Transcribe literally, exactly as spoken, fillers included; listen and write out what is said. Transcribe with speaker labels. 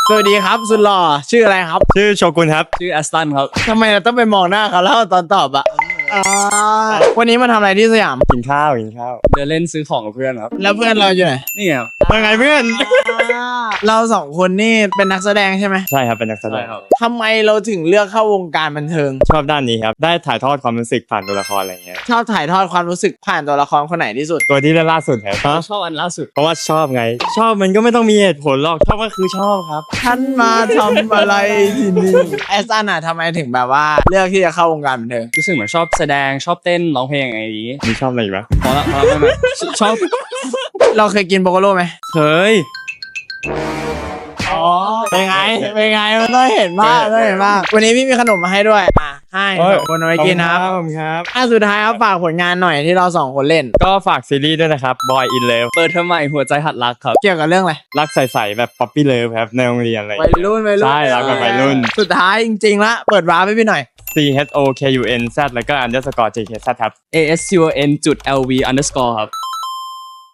Speaker 1: สวัสดีครับสุดหล่อชื่ออะไรครับ
Speaker 2: ชื่อโชกุนครับ
Speaker 3: ชื่อแอสตันครับ
Speaker 1: ทำไมเราต้องไปมองหน้าเขาแล้วตอนตอบอะอ่าวันนี้มาทำอะไรที่สยาม
Speaker 2: กินข้าวกินข้าว
Speaker 3: เดินเล่นซื้อของกับเพื่อนครับ
Speaker 1: แล้วเพื่อนเราอยู่ไหน
Speaker 3: นี่ไงครับ
Speaker 2: ว่าไงเพื่อน
Speaker 1: เราสองคนนี่เป็นนักแสดงใช่ไหม
Speaker 2: ใช่ครับเป็นนักแสด
Speaker 3: ใช่
Speaker 2: ง
Speaker 3: ครับ
Speaker 1: ทำไมเราถึงเลือกเข้าวงการบันเทิง
Speaker 2: ชอบด้านนี้ครับได้ถ่ายทอดความรู้สึกผ่านตัวละครอะไรเงี้ย
Speaker 1: ชอบถ่ายทอดความรู้สึกผ่านตัวละครคนไหนที่สุด
Speaker 2: ตัวที่เล่นล่าสุดครับฮะ
Speaker 3: ชอบอันล่าสุด
Speaker 2: เพราะว่าชอบไง ชอบมันก็ไม่ต้องมีเหตุผลหรอกชอบก็คือชอบครับ
Speaker 1: ท่านมาทำอะไรที่นี่แอสตันอะทำไมถึงแบบว่าเลือกที่จะเข้าวงการบันเทิง
Speaker 3: รู้สึกเหมือนชอบแสดงชอบเต้นร้องเพลงอะไรอย่างงี้
Speaker 2: มีชอบอะไรอีกไหม
Speaker 3: พอละพอละไม่ไม่ชอบ
Speaker 1: เราเคยกินโบโกโลไหม
Speaker 3: เคย
Speaker 1: อ๋อเป็นไงเป็นไงมันต้องเห็นมากต้องเห็นมากวันนี้พี่มีขนมมาให้ด้วยอ่ะให้สองคนเอาไว้กินนะครับ
Speaker 2: ขอบคุณครับ
Speaker 1: อ่ะสุดท้ายครับฝากผลงานหน่อยที่เราสองคนเล่น
Speaker 2: ก็ฝากซีรีส์ด้วยนะครับ Boy in Love
Speaker 3: เปิดเทอมใหม่หัวใจหัดรักครับ
Speaker 1: เกี่ยวกับเรื่องอะไร
Speaker 2: รักใสๆแบบ Puppy Love ครับในโรงเรียนอะไร
Speaker 1: วัยรุ่นวัยรุ่น
Speaker 2: ใช่รักแบบวัยรุ่น
Speaker 1: สุดท้ายจริงๆละเปิดวาร์ปให้พี่หน่อย
Speaker 2: C H O K U N Z แล้วก็ underscore J K Z ครับ
Speaker 3: A S C O N จุด L V underscore ครับ